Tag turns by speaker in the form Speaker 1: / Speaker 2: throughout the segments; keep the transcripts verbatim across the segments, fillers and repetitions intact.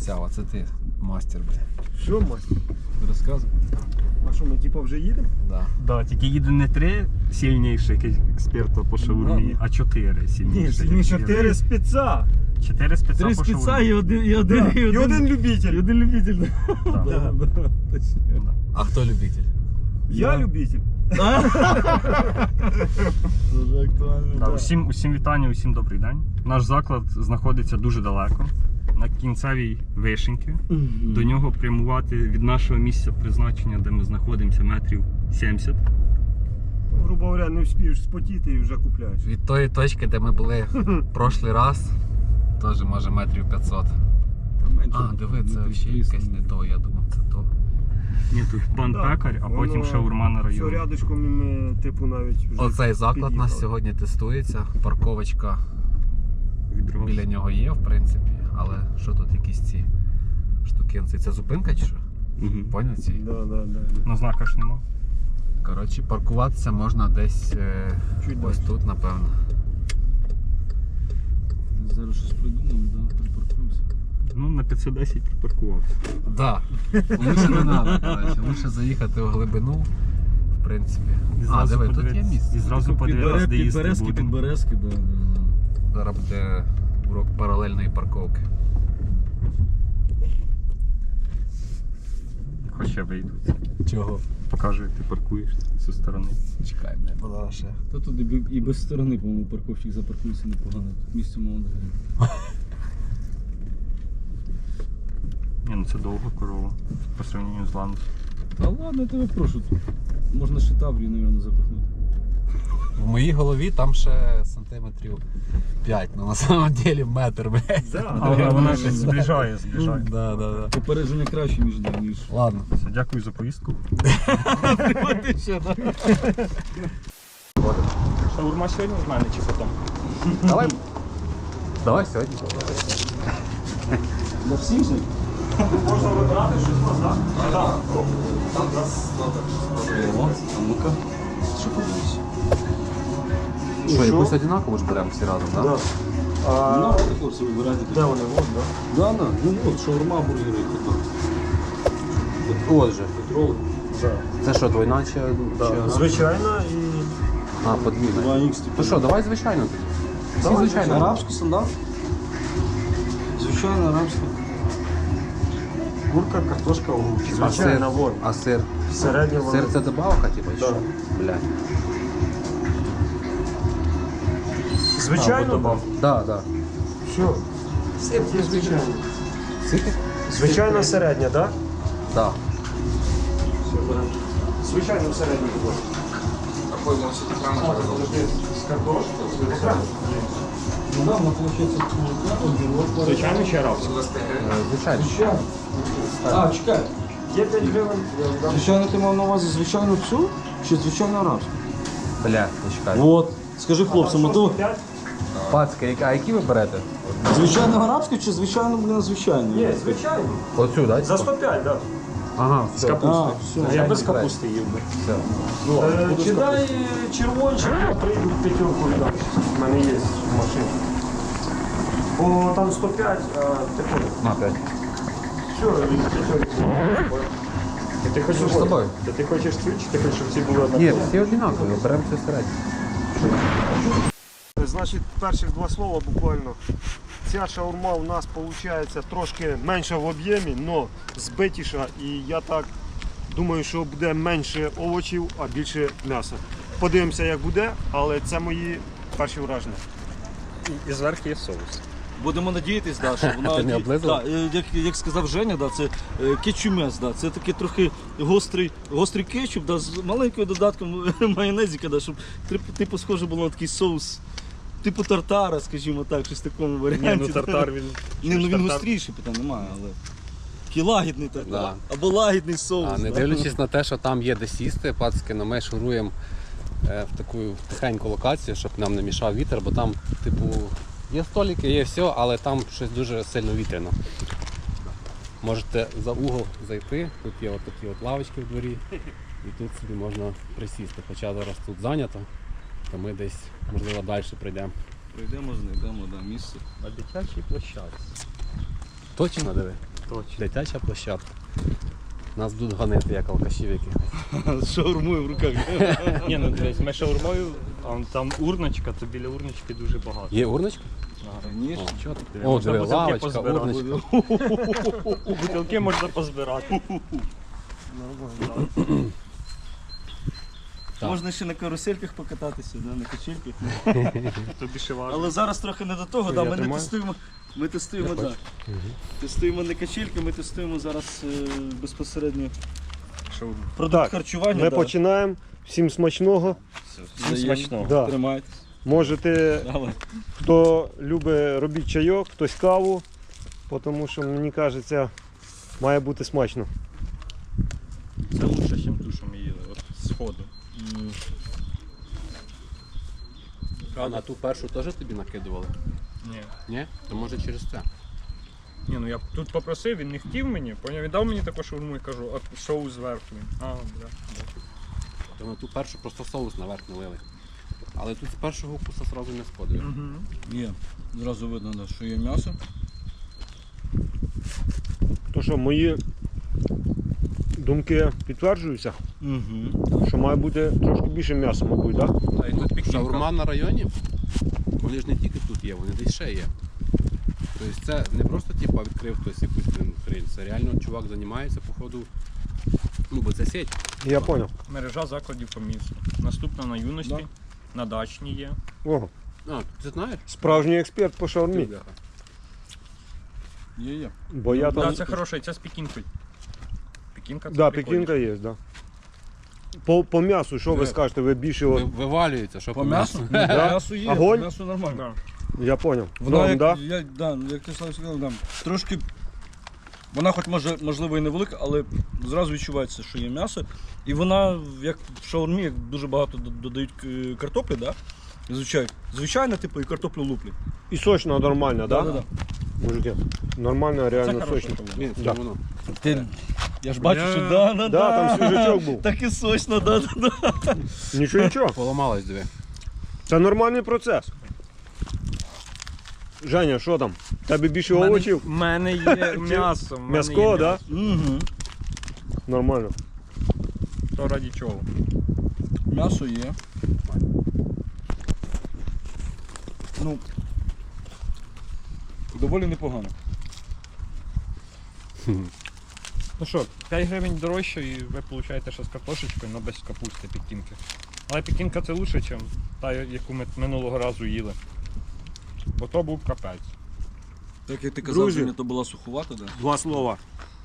Speaker 1: обіцяв, а це ти мастер, бля.
Speaker 2: Що, мастер?
Speaker 1: Розказуй.
Speaker 2: А що, ми типу вже їдемо?
Speaker 1: Да.
Speaker 3: Да, тільки їде не три сильніших експерта по шаурмі, а чотири
Speaker 2: Ні,
Speaker 3: сильніших.
Speaker 2: ні, чотири спеца.
Speaker 3: Чотири спеца
Speaker 2: Три
Speaker 3: по
Speaker 2: спеца
Speaker 3: шаурмі.
Speaker 2: і один, і один,
Speaker 3: Да.
Speaker 2: і один,
Speaker 4: І один любитель.
Speaker 2: І один любитель.
Speaker 3: Да.
Speaker 2: Да, да, точно.
Speaker 1: А хто любитель?
Speaker 2: Я
Speaker 4: Я
Speaker 2: любитель.
Speaker 4: Дуже актуально.
Speaker 3: Да, усім, усім вітання, усім добрий день. Наш заклад знаходиться дуже далеко, на кінцевій Вишеньки. До нього прямувати від нашого місця призначення, де ми знаходимося, метрів сімдесят.
Speaker 2: Грубо говоря, не встигнеш спотіти і вже купляєш.
Speaker 1: Від тої точки, де ми були прошлий раз, теж може метрів п'ятсот. А, диви, це взагалі якесь не то, я думав, це то.
Speaker 3: Ні, тут пан
Speaker 2: Да,
Speaker 3: пекар, а потім
Speaker 2: воно
Speaker 3: шаурма на
Speaker 2: Все
Speaker 3: районі.
Speaker 2: рядочком і ми, типу, навіть вже
Speaker 1: Оцей заклад у нас
Speaker 2: під'їхали.
Speaker 1: сьогодні тестується. Парковочка
Speaker 3: Відразу.
Speaker 1: біля нього є, в принципі. Але що тут якісь ці штукенці? Це зупинка чи що?
Speaker 3: Мгм.
Speaker 1: Поняв ці?
Speaker 2: Да, да, да.
Speaker 3: На знака ж нема.
Speaker 1: Коротше, паркуватися можна десь е,
Speaker 2: Чуть
Speaker 1: ось
Speaker 2: далі.
Speaker 1: тут, напевно.
Speaker 4: Зараз щось придумаємо, да? Припаркуємося.
Speaker 3: Ну, на п'ятсот десять припаркувався.
Speaker 1: Да. Лучше не треба, коротше. Лучше заїхати в глибину, в принципі.
Speaker 3: І
Speaker 1: А,
Speaker 3: зразу
Speaker 1: диви, тут є
Speaker 3: подивитись-
Speaker 1: місце.
Speaker 3: І зразу подивитися, де їсти
Speaker 4: Підберезки,
Speaker 3: будемо.
Speaker 4: підберезки, да, да, да.
Speaker 1: Зараз буде урок паралельної парковки.
Speaker 3: Хоч я вийду.
Speaker 1: Чого?
Speaker 3: Покажу, як ти паркуєш зі сторони.
Speaker 1: Чекай, бля, була ще.
Speaker 4: Та тут і бі- і без сторони, по-моєму, парковщик запаркується непогано. Тут місце мало не.
Speaker 3: Ні, ну це довга корова по сравненню з ландом.
Speaker 4: Та ладно, я тебе прошу. Тут можна ще таврію, мабуть, запихнути.
Speaker 1: В моїй голові там ще сантиметрів п'ять, ну на самом деле метр, блядь.
Speaker 2: Да,
Speaker 3: Але
Speaker 2: да,
Speaker 3: вона
Speaker 2: да,
Speaker 3: щось
Speaker 2: да.
Speaker 3: зближає, зближає.
Speaker 1: Да, да, да.
Speaker 4: Попередження краще, ніж, да, ніж.
Speaker 1: Ладно.
Speaker 3: Все, дякую за поїздку. Шаурма сьогодні в мене чи потім?
Speaker 1: Давай. Давай сьогодні.
Speaker 4: Для всіх же?
Speaker 2: Можна вибрати щось, так? Так.
Speaker 4: О, а ну-ка. Що подивишся?
Speaker 1: Що, якусь одинакову ж беремо всі разом, так?
Speaker 2: Да.
Speaker 4: Ну,
Speaker 2: А
Speaker 4: хлопці, вибирайте.
Speaker 2: де вони? Вон, да?
Speaker 4: Да, да. Ну от, шаурма, бургери, хот-дог.
Speaker 1: От же.
Speaker 4: Петрол.
Speaker 2: Да.
Speaker 1: Це що, двойна чи...
Speaker 2: Да.
Speaker 1: чи-
Speaker 2: Звичайно і...
Speaker 1: А, подвійна.
Speaker 4: два ікс.
Speaker 1: Ну що, давай звичайно тоді. Всі
Speaker 4: Давай,
Speaker 1: звичайно.
Speaker 4: арабський стандарт. Звичайно, арабський.
Speaker 2: Курка, картошка, огурчик.
Speaker 1: А сир?
Speaker 2: Звичайно, вон.
Speaker 1: А сир?
Speaker 2: Середня вона.
Speaker 1: Сир це добавка, типу, чи
Speaker 2: Да.
Speaker 1: що? Блядь.
Speaker 2: Звичайно,
Speaker 3: добав.
Speaker 1: Да, да.
Speaker 2: Все. Сир є звичайно.
Speaker 1: Скільки?
Speaker 2: Звичайно, середня, так?
Speaker 1: Да.
Speaker 2: Все, беремо. Звичайно, середня. З картошкою? Звичайно.
Speaker 4: Ну да, вона виходить огірок.
Speaker 3: Звичайно, чи арабський?
Speaker 1: Е, Звичайно.
Speaker 4: Звичайно. А, чекай.
Speaker 2: Є п'ять гривень. я вам дам.
Speaker 4: Звичайно, ти мав на увазі звичайну цю чи звичайно арабську?
Speaker 1: Блядь, почекай.
Speaker 4: От. Скажи хлопцям, а то
Speaker 2: П'ять?
Speaker 1: Пацки, а які ви берете?
Speaker 4: звичайно арабську чи звичайно, блін, звичайно?
Speaker 2: Ні, звичайно.
Speaker 1: Оцю, да?
Speaker 2: За сто п'ять, так.
Speaker 1: Ага,
Speaker 3: З
Speaker 1: все.
Speaker 3: капустою.
Speaker 4: А, все.
Speaker 3: Я без капусти їв би.
Speaker 1: Все.
Speaker 2: Е, Чи дай червончик, я прийду п'ятерку віддам. У мене є в машині. Бо там сто п'ять, а ти ходиш.
Speaker 1: На, п'ять.
Speaker 2: Все, від п'ятерки.
Speaker 3: Ти хочеш
Speaker 1: З тобою?
Speaker 3: Та ти хочеш цю, чи ти хочеш, щоб ці були однакові?
Speaker 1: Ні, всі однакові, беремо все середнє.
Speaker 2: Значить, перших два слова буквально. Ця шаурма у нас виходить трошки менша в об'ємі, але збитіша. І я так думаю, що буде менше овочів, а більше м'яса. Подивимося, як буде, але це мої перші враження.
Speaker 3: І зверху є соус.
Speaker 4: Будемо надіятись, да, що вона
Speaker 1: Ти не облизував?
Speaker 4: да, е, як, як сказав Женя, да, це е, кетчумес, да, це такий трохи гострий, гострий кетчуп, да, з маленьким додатком майонезика, да, щоб типу, типу схоже було на такий соус, типу тартара, скажімо так, щось в такому варіанті.
Speaker 3: Ні, ну тартар він...
Speaker 4: Ні, ну він
Speaker 3: Тартар-
Speaker 4: гостріший, питань немає, але такий лагідний тартар,
Speaker 1: Да.
Speaker 4: або лагідний соус.
Speaker 1: А не
Speaker 4: да.
Speaker 1: дивлячись на те, що там є де сісти, пацки, но ми шуруємо е, в таку тихеньку локацію, щоб нам не мішав вітер, бо там, типу, є столики, є все, але там щось дуже сильно вітряно. Можете за угол зайти, тут є от такі от лавочки в дворі, і тут собі можна присісти. Хоча зараз тут зайнято, то ми десь, можливо, далі прийдемо.
Speaker 4: Прийдемо, знайдемо да, місце.
Speaker 3: На дитячій площадці.
Speaker 1: Точно диви?
Speaker 3: Точно.
Speaker 1: Дитяча площадка. Нас будуть ганити, як алкашів якихось.
Speaker 4: З шаурмою в руках.
Speaker 3: Ні, ну дивись, ми шаурмою, а там урночка, то біля урночки дуже багато.
Speaker 1: Є урночка?
Speaker 4: Ніж.
Speaker 1: О, чого ти?
Speaker 3: Диви,
Speaker 1: О,
Speaker 3: можна
Speaker 1: диви,
Speaker 3: бутилки
Speaker 1: лавочка,
Speaker 3: позбирати.
Speaker 1: урночка.
Speaker 3: Бутилки можна позбирати.
Speaker 1: Так.
Speaker 4: Можна ще на карусельках покататися, да, на качельках.
Speaker 3: Тобі ще важко.
Speaker 4: Але зараз трохи не до того, да,
Speaker 2: Я
Speaker 4: ми не
Speaker 2: тримаю?
Speaker 4: тестуємо. Ми тестуємо, да. Тестуємо не качельки, ми тестуємо зараз е, безпосередньо продукт
Speaker 2: Так,
Speaker 4: харчування.
Speaker 2: Ми
Speaker 4: да.
Speaker 2: починаємо. Всім смачного.
Speaker 3: Всім смачного.
Speaker 2: Да.
Speaker 4: Тримайтесь.
Speaker 2: Можете,
Speaker 4: Давай.
Speaker 2: хто любить, робіть чайок, хтось каву, тому що, мені кажеться, має бути смачно.
Speaker 3: Це лучше, ніж ту, що ми їли. От з ходу.
Speaker 1: А на ту першу теж тобі накидували?
Speaker 3: Ні.
Speaker 1: Ні? То може через це.
Speaker 3: Ні, ну я тут попросив, він не хотів мені, поняв, він дав мені таку шаурму і кажу, а шоу зверху. Він, А, бля.
Speaker 1: То на ту першу просто соус наверх налили. Але тут з першого укуса одразу не сходить.
Speaker 3: Угу.
Speaker 4: Є. Зразу видно, да, що є м'ясо.
Speaker 2: То що, мої думки підтверджуються,
Speaker 4: Угу.
Speaker 2: що має бути трошки більше м'яса, мабуть, так? Да?
Speaker 3: А і тут пікінка.
Speaker 1: Шаурма на районі, вони ж не тільки тут є, вони десь ще є. Тобто це не просто типу, відкрив хтось якусь блін, хрень, це реально чувак займається, походу, ну бо це сеть.
Speaker 2: Я зрозумів.
Speaker 3: Мережа закладів по місту. Наступна на юності,
Speaker 4: Да.
Speaker 3: на дачній є.
Speaker 2: Ого,
Speaker 1: А, ти знаєш?
Speaker 2: справжній експерт по
Speaker 1: Ти,
Speaker 2: шаурмі.
Speaker 1: бляха.
Speaker 4: Є, є.
Speaker 2: Бо я
Speaker 3: Да,
Speaker 2: там...
Speaker 3: це хороше, і це з пікінкою. Пікінка це
Speaker 2: Да,
Speaker 3: прикольно.
Speaker 2: пекінка є, да. По, по м'ясу, що ви
Speaker 1: Ви-
Speaker 2: скажете, ви більше...
Speaker 1: Ви-
Speaker 2: От...
Speaker 1: Вивалюється, що
Speaker 4: По м'ясу? Ні,
Speaker 2: Да?
Speaker 4: М'ясо є,
Speaker 2: Огонь?
Speaker 4: м'ясо нормально.
Speaker 3: Да.
Speaker 2: Я зрозумів.
Speaker 4: Вона,
Speaker 2: Норм,
Speaker 4: як,
Speaker 2: да?
Speaker 4: я, да, як ти Слав сказав, да, трошки. Вона хоч може, можливо і невелика, але зразу відчувається, що є м'ясо. І вона, як в шаурмі, як дуже багато д- додають е, картоплі, да? Звичайно, звичайно, типу, і картоплю луплять.
Speaker 2: І сочно нормально, да?
Speaker 4: Да, да,
Speaker 2: Мужики, нормально,
Speaker 3: Це
Speaker 2: реально
Speaker 3: хороше.
Speaker 2: сочно.
Speaker 1: Ні, це
Speaker 2: Да.
Speaker 1: воно.
Speaker 4: Ти, я ж бачу,
Speaker 3: Бля.
Speaker 4: що да, да,
Speaker 2: Да, там свіжачок був.
Speaker 4: Так і сочно, да, да, да.
Speaker 2: Нічого, нічого.
Speaker 1: Поламалось диви.
Speaker 2: Це нормальний процес. Женя, що там? Тебе більше
Speaker 3: У мене-
Speaker 2: овочів?
Speaker 3: У мене є м'ясо. в мене
Speaker 2: М'яско,
Speaker 3: є
Speaker 2: да?
Speaker 4: Угу.
Speaker 2: Нормально.
Speaker 3: То раді чого?
Speaker 4: М'ясо є. Ну, доволі непогано.
Speaker 3: Ну що, п'ять гривень дорожче і ви отримаєте ще з картошечкою, але без капусти пікінки. Але пікінка це лучше, ніж та, яку ми минулого разу їли. Бо то був капець.
Speaker 4: Так як ти казав,
Speaker 2: Друзі.
Speaker 4: Женя, то була суховата, да?
Speaker 2: Два слова.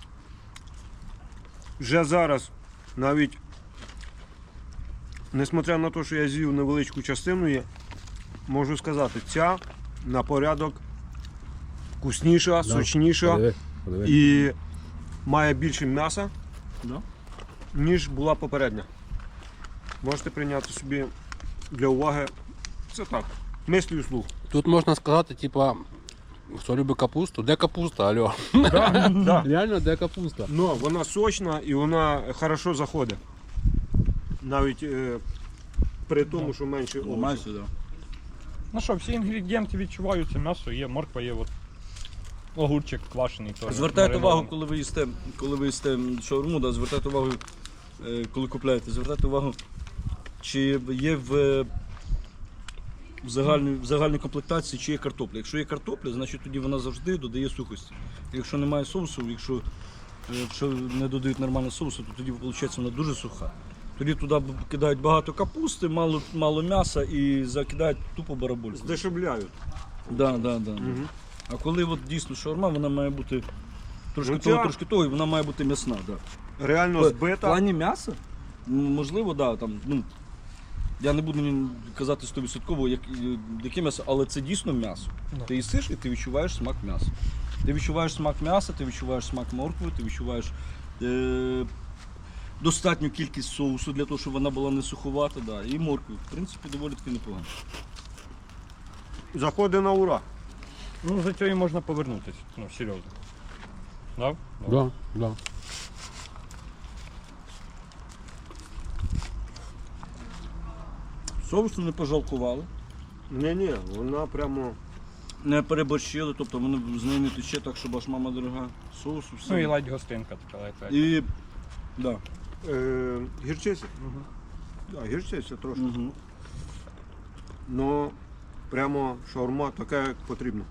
Speaker 2: Вже зараз, навіть, несмотря на те, що я з'їв невеличку частину, є, можу сказати, ця на порядок вкусніша, сочніша
Speaker 1: Подиви, подиви.
Speaker 2: і має більше м'яса,
Speaker 4: Да?
Speaker 2: ніж була попередня. Можете прийняти собі для уваги. Це так. Мислю слух.
Speaker 1: Тут можна сказати, типа, хто любить капусту, де капуста, алло.
Speaker 2: Да.
Speaker 1: Реально, де капуста?
Speaker 2: Но вона сочна і вона хорошо заходить. Навіть е, при тому, що менше овочів.
Speaker 4: Майже, да.
Speaker 3: Ну що, всі інгредієнти відчуваються, м'ясо є, морква є, от. Огурчик квашений. теж
Speaker 4: Звертайте увагу,
Speaker 3: маринований.
Speaker 4: коли ви їсте, коли ви їсте шаурму, да, звертайте увагу, е, коли купляєте, звертайте увагу, чи є в, в, загальній, в загальній комплектації, чи є картопля. Якщо є картопля, значить тоді вона завжди додає сухості. Якщо немає соусу, якщо, е, якщо не додають нормально соусу, то тоді виходить вона дуже суха. Тоді туди кидають багато капусти, мало, мало м'яса і закидають тупо барабольство.
Speaker 2: Здешевляють.
Speaker 4: Да, да, да.
Speaker 2: Мгм.
Speaker 4: А коли от дійсно шаурма, вона має бути трошки
Speaker 2: Ну,
Speaker 4: того,
Speaker 2: ця-
Speaker 4: трошки того, і вона має бути м'ясна. Да.
Speaker 2: Реально
Speaker 4: В
Speaker 2: збита.
Speaker 4: плані м'яса, ну, можливо, да, там, ну, я не буду ні казати сто відсотків, як, яке м'ясо, але це дійсно м'ясо.
Speaker 3: Да.
Speaker 4: Ти їсиш і ти відчуваєш смак м'яса. Ти відчуваєш смак м'яса, ти відчуваєш смак моркви, ти відчуваєш е- достатню кількість соусу для того, щоб вона була не суховата. Да. І моркви. В принципі, доволі таки непогано.
Speaker 2: Заходить на ура.
Speaker 3: Ну, за цього і можна повернутися, ну, серйозно. Да?
Speaker 1: Да, да.
Speaker 4: Соусу не пожалкували.
Speaker 2: Ні-ні, вона прямо
Speaker 4: не переборщили, тобто вони з нею не тече так, щоб аж мама дорога. Соусу, все.
Speaker 3: Ну і ледь гостинка така ледь.
Speaker 4: І, да.
Speaker 2: Е, гірчиця. Да, гірчиця трошки.
Speaker 4: Угу.
Speaker 2: Но прямо шаурма така, як потрібно.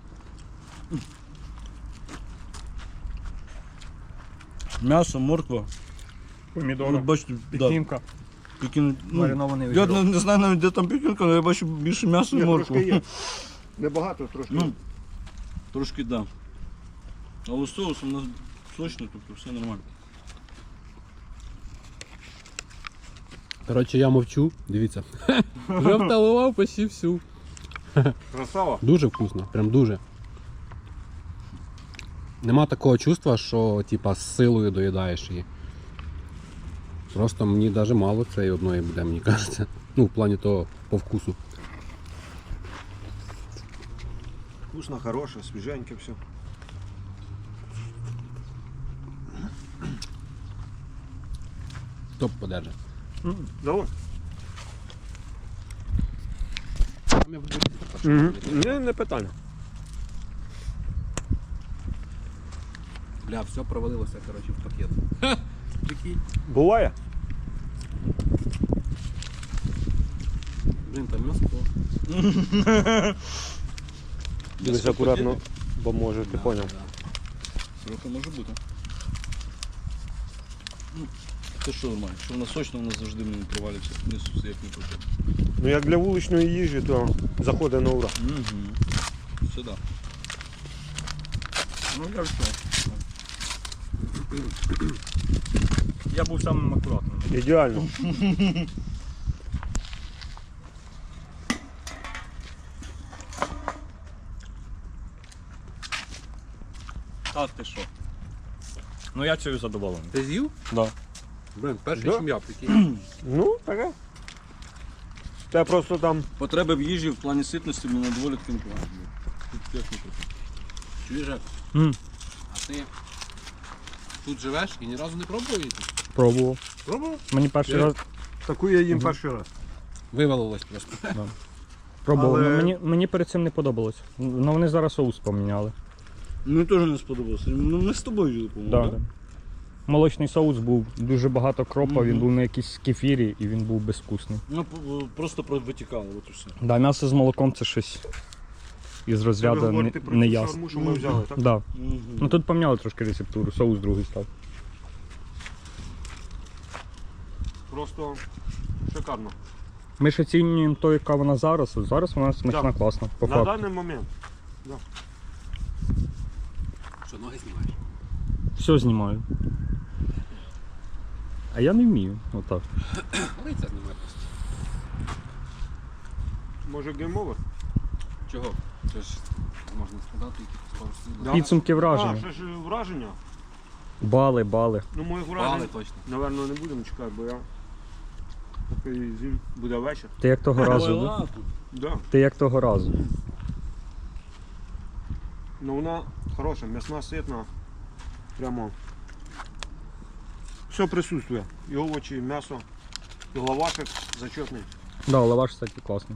Speaker 4: М'ясо, морква.
Speaker 3: Помідори,
Speaker 4: Ну, бачите, да,
Speaker 3: пікінка,
Speaker 4: пекін, ну,
Speaker 3: маринований
Speaker 4: я
Speaker 3: огірок.
Speaker 4: не, не знаю навіть, де там пекінка, але я бачу більше м'яса і
Speaker 2: Ні,
Speaker 4: моркву.
Speaker 2: трошки є. Небагато, трошки.
Speaker 4: Ну, трошки, так. Да. Але соус у нас сочний, тобто все нормально.
Speaker 1: Коротше, я мовчу, дивіться. Вже вталував почти всю.
Speaker 2: Красава.
Speaker 1: Дуже вкусно, прям дуже. Нема такого чувства, що типа з силою доїдаєш її. Просто мені навіть мало цієї одної буде, мені кажеться. Ну, в плані того по вкусу.
Speaker 2: Вкусно, хороше, свіженьке все.
Speaker 1: Топ подержи.
Speaker 2: Давай.
Speaker 1: Там я буду їсти.
Speaker 2: Не, не питання.
Speaker 1: Бля, все провалилося, коротше, в пакет. Прикинь.
Speaker 2: Буває?
Speaker 1: Блін, там м'ясо.
Speaker 2: Дивись акуратно, бо може, ти поняв.
Speaker 4: Трохи може бути. Ну, це що нормально? Що вона сочна, вона завжди мені провалюється. Несу все як не потрібно.
Speaker 2: Ну як для вуличної їжі, то заходить на ура.
Speaker 4: Угу. Сюди.
Speaker 3: Ну, я все. Я був самим акуратним.
Speaker 2: Ідеально.
Speaker 3: А ти що? Ну я цього задоволений.
Speaker 1: Ти з'їв?
Speaker 3: Да.
Speaker 1: Блін, перший,
Speaker 2: Да?
Speaker 1: чим я, прикинь.
Speaker 2: Ну, таке. Та просто там
Speaker 4: Потреби в їжі в плані ситності мені доволі таки непогано. Тут як не трохи.
Speaker 1: Чуєш, Жек?
Speaker 3: М,
Speaker 1: А ти тут живеш і ні разу не пробував їсти?
Speaker 3: Пробував.
Speaker 1: Пробував?
Speaker 3: Мені перший
Speaker 2: Я-
Speaker 3: раз
Speaker 2: таку я їм перший раз.
Speaker 1: Вивалилось просто.
Speaker 3: пробував.
Speaker 2: Але-
Speaker 3: Ну, мені, мені перед цим не подобалось. Ну вони зараз соус поміняли.
Speaker 4: Мені теж не сподобалося. Ну ми з тобою жили, по-моєму.
Speaker 3: Да,
Speaker 4: да?
Speaker 3: да. Молочний соус був, дуже багато кропа, він
Speaker 4: Мгм.
Speaker 3: був на якійсь кефірі і він був безвкусний.
Speaker 4: Ну по- просто про- витікало, от і все.
Speaker 3: Да, м'ясо з молоком це щось із
Speaker 2: Ви
Speaker 3: розряду не,
Speaker 2: говорите про
Speaker 3: не
Speaker 2: цю
Speaker 3: ясно.
Speaker 2: шаурму, що ми взяли, так?
Speaker 3: Да.
Speaker 4: Угу.
Speaker 3: Ну тут поміняли трошки рецептуру, соус другий став.
Speaker 2: Просто шикарно.
Speaker 3: Ми ж оцінюємо то, яка вона зараз. От зараз вона смачна,
Speaker 2: Да.
Speaker 3: класна. По
Speaker 2: На
Speaker 3: факту.
Speaker 2: даний момент.
Speaker 1: Що, ноги знімаєш?
Speaker 3: Все знімаю. А я не вмію. Отак.
Speaker 1: Лиця знімає просто.
Speaker 2: Може гейм-овер?
Speaker 1: Чого? Це ж можна сказати, які пару слів.
Speaker 2: Да.
Speaker 3: Підсумки враження.
Speaker 2: А, ще ж враження.
Speaker 3: Бали, бали.
Speaker 2: Ну, моїх
Speaker 1: Бали
Speaker 2: вражень,
Speaker 1: точно.
Speaker 2: напевно, не будемо чекати, бо я поки зім буде вечір.
Speaker 3: Ти як того разу. да?
Speaker 4: Ладно.
Speaker 2: Да.
Speaker 3: Ти як того разу.
Speaker 2: Ну вона хороша, м'ясна, ситна. Прямо. Все присутствує. І овочі, і м'ясо, і лавашик зачетний.
Speaker 3: Да, лаваш, кстати, класний.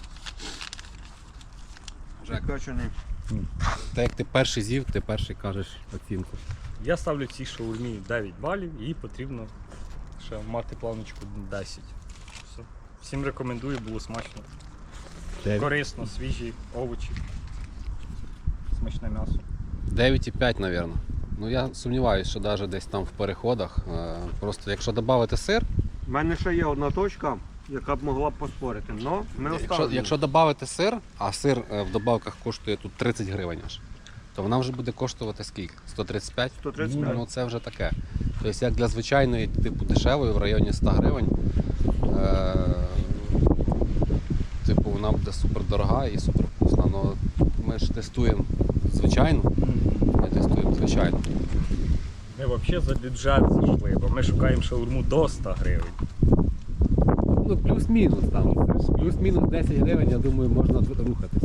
Speaker 1: Жек,
Speaker 2: Печений.
Speaker 1: так як ти перший з'їв, ти перший кажеш оцінку.
Speaker 3: Я ставлю цій шаурмі дев'ять балів і потрібно ще мати планочку десять. Все. Всім рекомендую, було смачно.
Speaker 1: Дев'ять.
Speaker 3: Корисно, свіжі овочі. Смачне м'ясо.
Speaker 1: дев'ять і п'ять, мабуть. Ну я сумніваюся, що навіть десь там в переходах. е, Просто якщо додати сир,
Speaker 2: У мене ще є одна точка, яка б могла б поспорити. Но ми
Speaker 1: якщо,
Speaker 2: оставимо.
Speaker 1: якщо додати сир, а сир е, в добавках коштує тут тридцять гривень аж, то вона вже буде коштувати скільки? сто тридцять п'ять?
Speaker 2: сто тридцять п'ять.
Speaker 1: Ну це вже таке. Тобто як для звичайної типу дешевої в районі сто гривень, е, типу вона буде супер дорога і супер вкусна. Но ми ж тестуємо звичайну, ми тестуємо звичайну.
Speaker 3: Ми взагалі за бюджет зайшли, бо ми шукаємо шаурму до ста гривень.
Speaker 1: Ну плюс-мінус там. Плюс-мінус десять гривень, я думаю, можна рухатись.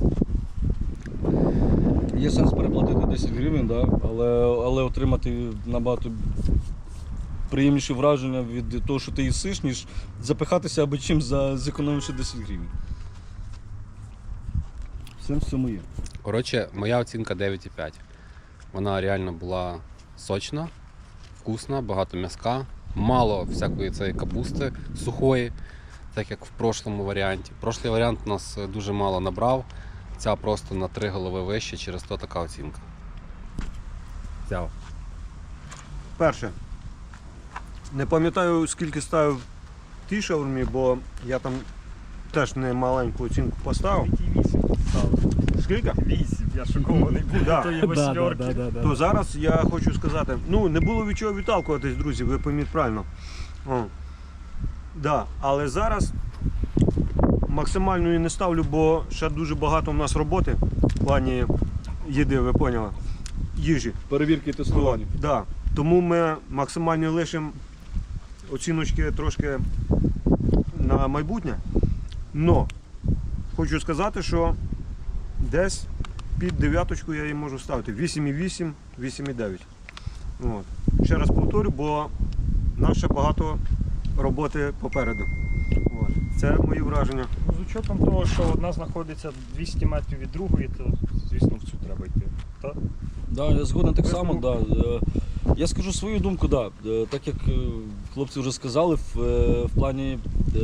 Speaker 4: Є сенс переплатити десять гривень, да? але, але отримати набагато приємніші враження від того, що ти їсиш, ніж запихатися або чим за зекономивши десять гривень. Сенс в цьому є.
Speaker 1: Коротше, моя оцінка дев'ять і п'ять. Вона реально була сочна, вкусна, багато м'яска, мало всякої цієї капусти сухої, так як в прошлому варіанті. Прошлий варіант у нас дуже мало набрав, ця просто на три голови вище, через то така оцінка. Взяв.
Speaker 2: Перше. Не пам'ятаю, скільки ставив тій шаурмі, бо я там теж не маленьку оцінку поставив.
Speaker 3: вісім ставив.
Speaker 2: Скільки?
Speaker 3: вісім, я шокований був.
Speaker 2: Да.
Speaker 3: Тої восьмерки.
Speaker 2: То зараз я хочу сказати, ну не було від чого відталкуватись, друзі, ви пойміть правильно. О. Да. Але зараз максимальної не ставлю, бо ще дуже багато в нас роботи в плані їди, ви поняли, їжі.
Speaker 4: Перевірки і тестування.
Speaker 2: Да. Тому ми максимально лишимо оціночки трошки на майбутнє. Но хочу сказати, що десь під дев'яточку я її можу ставити. вісім і вісім, вісім і дев'ять. От. Ще раз повторю, бо нас ще багато роботи попереду. От. Це мої враження.
Speaker 3: Ну, з учетом того, що одна знаходиться двісті метрів від другої, то, звісно, в цю треба йти. Так?
Speaker 4: Да, я згоден так само. Да. Е, Я скажу свою думку, да. Е, так як е, хлопці вже сказали, в, е, в плані е,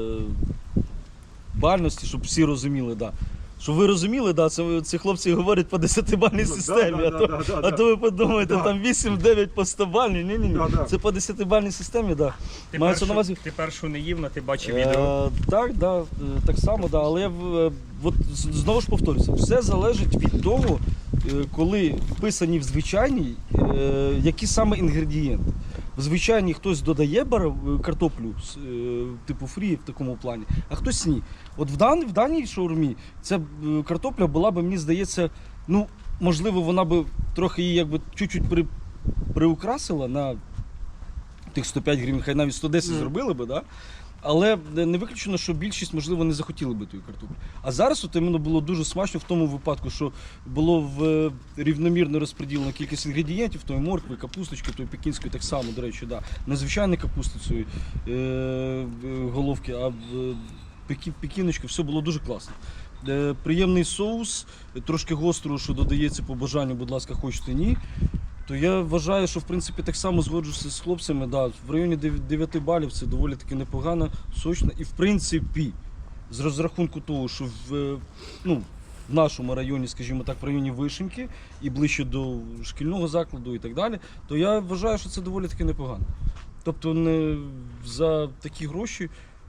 Speaker 4: бальності, щоб всі розуміли, да. Щоб ви розуміли, да, це ці хлопці говорять по десятибальній системі,
Speaker 2: да,
Speaker 4: а,
Speaker 2: да,
Speaker 4: то,
Speaker 2: да, да,
Speaker 4: а
Speaker 2: да.
Speaker 4: то ви подумаєте,
Speaker 2: Да.
Speaker 4: там вісім-дев'ять по стобальній, ні, ні, ні.
Speaker 2: Да, да.
Speaker 4: Це по десятибальній системі, да.
Speaker 3: Ти,
Speaker 4: Мається
Speaker 3: першу,
Speaker 4: на увазі.
Speaker 3: ти першу не їв, але ти бачив відео.
Speaker 4: Е, так, да, е, так само, да, але в- е, от, з- знову ж повторюся, все залежить від того, е, коли вписані в звичайній, е, які саме інгредієнти. В звичайній хтось додає бар- картоплю, с- е, типу фрі в такому плані, а хтось ні. От в, дан, в даній шаурмі ця е, картопля була би, мені здається, ну, можливо, вона би трохи її якби чуть-чуть при, приукрасила на тих сто п'ять гривень, хай навіть сто десять
Speaker 2: Мгм.
Speaker 4: зробили би, да? Але не виключено, що більшість, можливо, не захотіли би тої картоплі. А зараз от іменно було дуже смачно в тому випадку, що було в е, рівномірно розподілено кількість інгредієнтів, тої моркви, капусточки, тої пекінської так само, до речі, да. Не звичайні капусти цієї е, е, головки, а в е, пекі, пекіночки, все було дуже класно. Е, приємний соус, е, трошки гострого, що додається по бажанню, будь ласка, хочете ні. То я вважаю, що в принципі так само згоджуся з хлопцями. Да, в районі дев'яти балів це доволі таки непогано, сочно. І в принципі, з розрахунку того, що в, е, ну, в нашому районі, скажімо так, в районі Вишеньки і ближче до шкільного закладу і так далі, то я вважаю, що це доволі таки непогано. Тобто не за такі гроші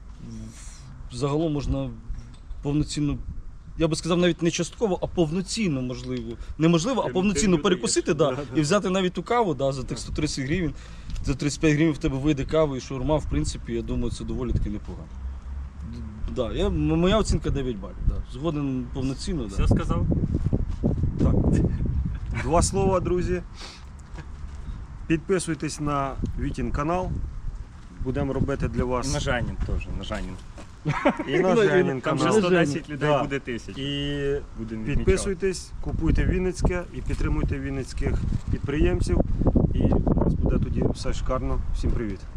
Speaker 4: в- загалом можна повноцінно. Я би сказав, навіть не частково, а повноцінно можливо. Неможливо, а
Speaker 2: Ти-
Speaker 4: повноцінно
Speaker 2: ти
Speaker 4: перекусити,
Speaker 2: додаєш.
Speaker 4: да,
Speaker 2: Да, да.
Speaker 4: і взяти навіть ту каву, да, за тих сто тридцять гривень, за тридцять п'ять гривень в тебе вийде кава і шаурма, в принципі, я думаю, це доволі таки непогано. Д- Да, я, м- моя оцінка дев'ять балів. Да. Згоден повноцінно. Да.
Speaker 3: Все сказав?
Speaker 2: Так. Два слова, друзі. Підписуйтесь на Вітін канал. Будемо робити для
Speaker 3: І
Speaker 2: вас.
Speaker 3: на Женін теж, на Женін.
Speaker 2: І на Женін
Speaker 3: Там вже
Speaker 2: канал.
Speaker 3: сто десять людей
Speaker 2: Да.
Speaker 3: буде тисяч.
Speaker 2: І
Speaker 3: Будемо відмічати.
Speaker 2: підписуйтесь, купуйте Вінницьке і підтримуйте вінницьких підприємців. І у нас буде тоді все шикарно. Всім привіт.